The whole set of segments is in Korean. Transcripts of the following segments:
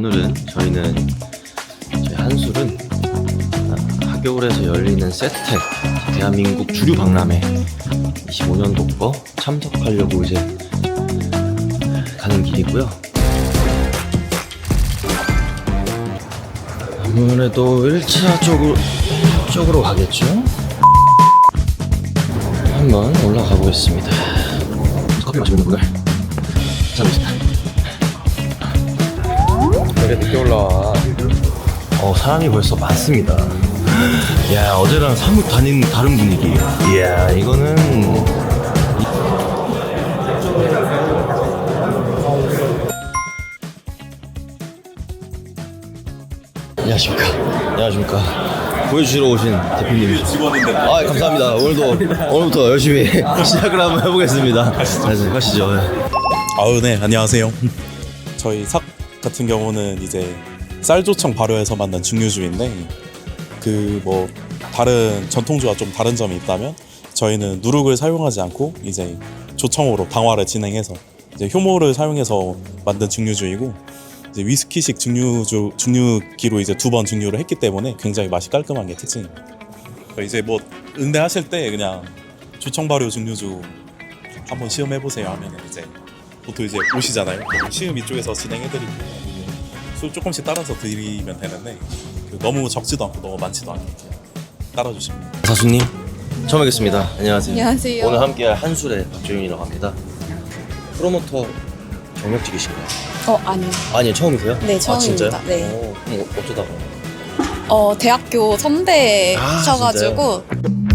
오늘은 저희 한술은 하겨울에서 열리는 세트텍 대한민국 주류 박람회 25년도 거 참석하려고 이제 가는 길이고요. 아무래도 1차 쪽으로 가겠죠? 한번 올라가 보겠습니다. 커피 마시는 분들 감사합니다. 왜 늦게 올라와? 사람이 벌써 많습니다. 야, 어제랑 사뭇 다른 분위기. 이야, 이거는 안녕하십니까. 보여주시러 오신 대표님. 직원인데. 감사합니다. 오늘부터 열심히 시작을 한번 해보겠습니다. 가시죠. 네, 안녕하세요. 저희 삭 같은 경우는 이제 쌀조청 발효해서 만든 증류주인데 다른 전통주와 좀 다른 점이 있다면 저희는 누룩을 사용하지 않고 이제 조청으로 방화를 진행해서 이제 효모를 사용해서 만든 증류주이고 이제 위스키식 증류기로 이제 2번 증류를 했기 때문에 굉장히 맛이 깔끔한 게 특징입니다. 이제 응대하실 때 그냥 조청 발효 증류주 한번 시음해 보세요 하면은 이제 보통 이제 오시잖아요. 시음 이쪽에서 진행해드리고 술 조금씩 따라서 드리면 되는데 너무 적지도 않고 너무 많지도 않게 따라주시면 돼요. 사수님 처음 뵙겠습니다. 안녕하세요. 안녕하세요. 오늘 함께할 한술의 박주윤이라고 합니다. 프로모터 경력직이신가요? 아니요. 아니요, 처음이세요? 네, 처음입니다. 진짜요? 네. 그럼 어쩌다가? 대학교 선배셔가지고.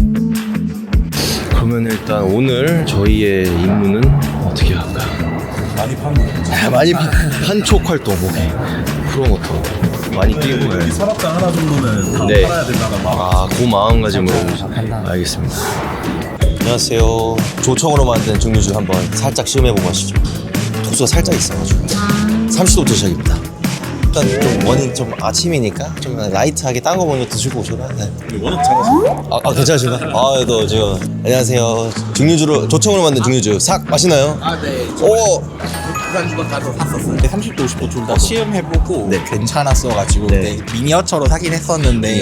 그러면 일단 오늘 저희의 임무는 어떻게 할까요? 많이 파는 거죠. 많이 판촉 활동, 프로모터 많이 뛰고. 여기 서랍장 하나 정도는 다 네. 팔아야 된다는 마음. 그 마음가짐으로. 알겠습니다. 안녕하세요. 조청으로 만든 증류주 한번 살짝 시음해보고 하시죠. 도수가 살짝 있어가지고 30도부터 시작입니다. 일단 좀 원인 좀 아침이니까 좀 라이트하게 딴 거 먼저 드시고 오셔라. 네. 워낙 잘하시고. 괜찮으신가? 또 지금 안녕하세요. 조청으로 만든 증류주 삭 마시나요? 네. 오! 부산주가 가서 샀었어요. 30도, 50도 둘 다 시음해보고 네. 괜찮았어가지고 네. 미니어처로 사긴 했었는데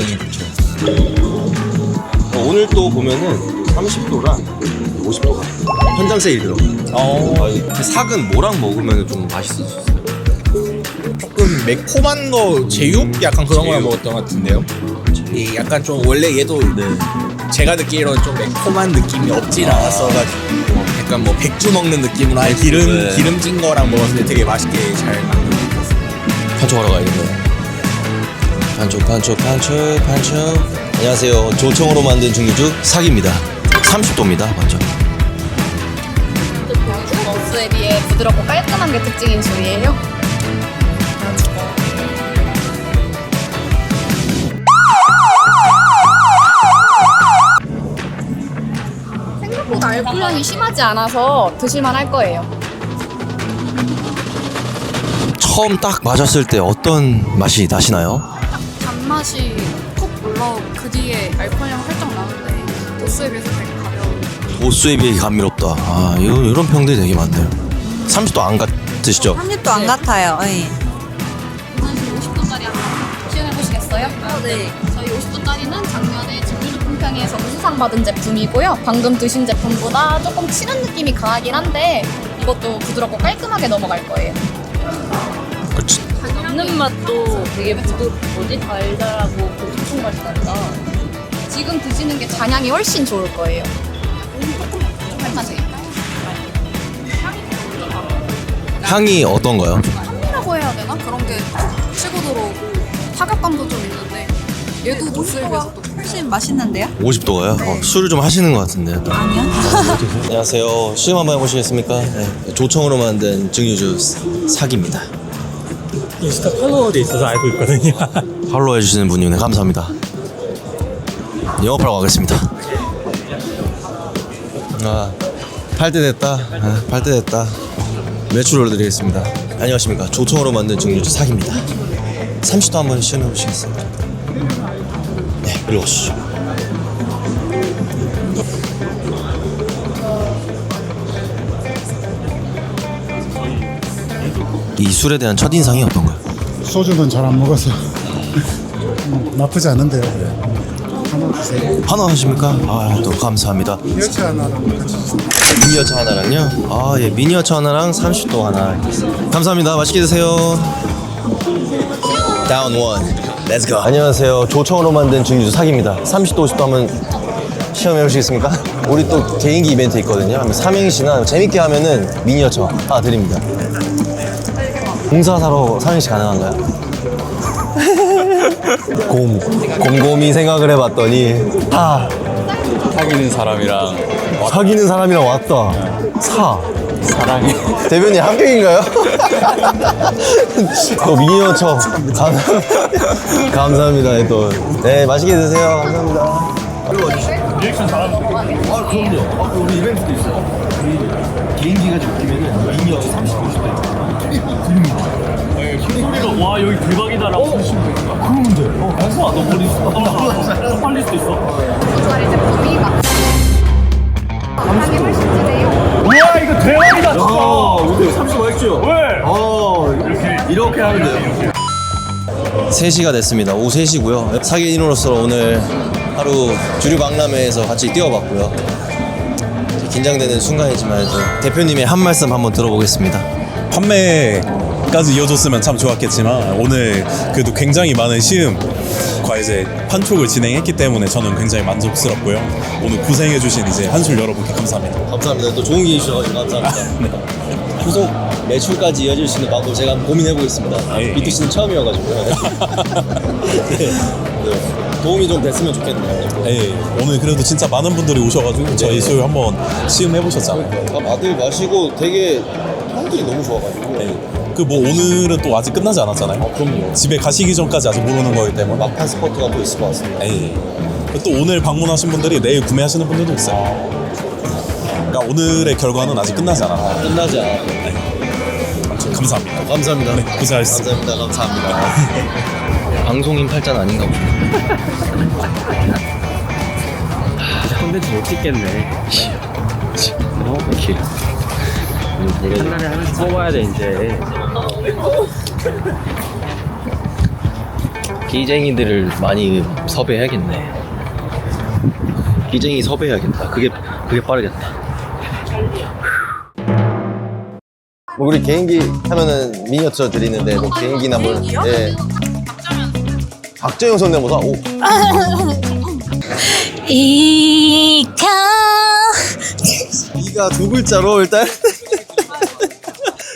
오늘 또 보면은 30도랑 50도가 현장 세일 들어가요. 그 삭은 뭐랑 먹으면 좀 맛있을 수 있어요? 조금 매콤한 거 제육? 약간 그런 거랑 먹었던 것 같은데요. 약간 좀 원래 얘도 제가 듣기로는 좀 매콤한 느낌이 없진 않았어가지고 약간 백주 먹는 느낌으로 아예 기름진 거랑 먹었을 때 되게 맛있게 잘 만든 것 같았어요. 판촉하러 가야겠네요. 판촉. 안녕하세요. 조청으로 만든 증류주 삭입니다. 30도입니다. 먼저. 버스에 비해 부드럽고 깔끔한 게 특징인 술이에요. 생각보다 알코올량이 심하지 않아서 드실만 할 거예요. 처음 딱 마셨을 때 어떤 맛이 나시나요? 단맛이 푹 올라오고 그 뒤에 알코올량 살짝 나는데 도수에 비해서 되게 가벼운. 도수에 비해 감미롭다. 이런 평들이 되게 많네요. 30도 안 같으시죠? 30도 안 같아요. 네. 50도짜리 한번 시연해보시겠어요? 네. 저희 50도짜리는 작년에 증류주 품평회에서 우수상 받은 제품이고요. 방금 드신 제품보다 조금 치는 느낌이 강하긴 한데 이것도 부드럽고 깔끔하게 넘어갈 거예요. 먹는 맛도 되게 달달하고 고소한 맛이 난다. 지금 드시는 게 잔향이 훨씬 좋을 거예요. 좀 할만해요. 향이 어떤가요? 향이라고 해야 되나? 그런 게 치고 들어오고 타격감도 좀 있는데 얘도 도수에 비해서 또 훨씬 맛있는데요? 50도가요? 술을 좀 하시는 것 같은데요. 아니요. 안녕하세요. 시음 한번 해보시겠습니까? 네. 조청으로 만든 증류주 삭입니다. 인스타 팔로워도 있어서 알고 있거든요. 팔로우 해주시는 분이네. 감사합니다. 영업하러 가겠습니다. 팔 때 됐다. 팔 때 됐다. 매출 올려드리겠습니다. 안녕하십니까. 조청으로 만든 증류주 삭입니다. 30도 한번 시연해 보시겠어요? 네, 이리 오시죠. 이 술에 대한 첫인상이 어떤가요? 소주는 잘 안 먹어서 나쁘지 않은데요. 하나 주세요. 하나 하십니까? 아, 또 감사합니다. 여치 하나랑 같이 주세요. 미니어처 하나랑요? 아, 예, 미니어처 하나랑 30도 하나. 감사합니다. 맛있게 드세요. 다운 원. 렛츠 고. 안녕하세요. 조청으로 만든 증류주 사기입니다. 30도 50도 한번 시험해 보시겠습니까? 우리 또 개인기 이벤트 있거든요. 삼행시나 재밌게 하면은 미니어처 하나 드립니다. 공사사로 삼행시 가능한가요? 곰곰이 생각을 해봤더니 사귀는 사람이랑 사귀는 사람이랑 왔다. 사랑해. 대변인 합격인가요? 또 미니어처 감사합니다. 또 네, 맛있게 드세요. 감사합니다. 리액션 잘하는 아, 그럼요. 우리 이벤트도 있어요. 개인기가 좀 웃기면은 미니어처 30분 드립니다. 소리가 와 여기 대박이다라고 하시면 돼요. 그러면 돼. 현수아 너 머리 더 빨릴 수도 있어. 정말 제품이 막 감상이 훨씬 진해요. 와 이거 대박이다 진짜. 근데 30분 했죠? 왜? 이렇게 하면 돼요. 3시가 됐습니다. 오후 3시고요. 사기인으로서 오늘 하루 주류 박람회에서 같이 뛰어봤고요. 긴장되는 순간이지만 대표님의 한 말씀 한번 들어보겠습니다. 판매까지 이어졌으면 참 좋았겠지만 오늘 그래도 굉장히 많은 시음과 이제 판촉을 진행했기 때문에 저는 굉장히 만족스럽고요. 오늘 고생해주신 이제 한술 여러분께 감사합니다. 감사합니다. 또 좋은 기회 주셔서 감사합니다. 후속 매출까지 이어질 수 있는 방법 제가 한번 고민해 보겠습니다. B2C는 처음이어가지고요. 네. 도움이 좀 됐으면 좋겠네요. 네, 오늘 그래도 진짜 많은 분들이 오셔가지고 저희 술 한번 시음해보셨잖아요. 다 다들 마시고 되게 평들이 너무 좋아가지고. 그 뭐 오늘은 또 아직 끝나지 않았잖아요. 그럼요. 집에 가시기 전까지 아직 모르는 거기 때문에 막판 스포트가 또 있을 것 같습니다. 또 오늘 방문하신 분들이 내일 구매하시는 분들도 있어요. 그러니까 오늘의 결과는 아직 끝나지 않았다. 끝나지 않아요. 아무튼 감사합니다. 감사합니다. 네, 고생하셨습니다. 감사합니다. 방송인 팔자는 아닌가 보네. 콘텐츠 못 찍겠네. 이렇게. 한 달에 하나씩 뽑아야 돼 이제. 기쟁이들을 많이 섭외해야겠네. 기쟁이 섭외해야겠다. 그게 빠르겠다. 우리 개인기 하면은 미니어처 드리는데 뭐 개인기나 뭐 예. 박재영 성대모사. 오. 이가 두 글자로 일단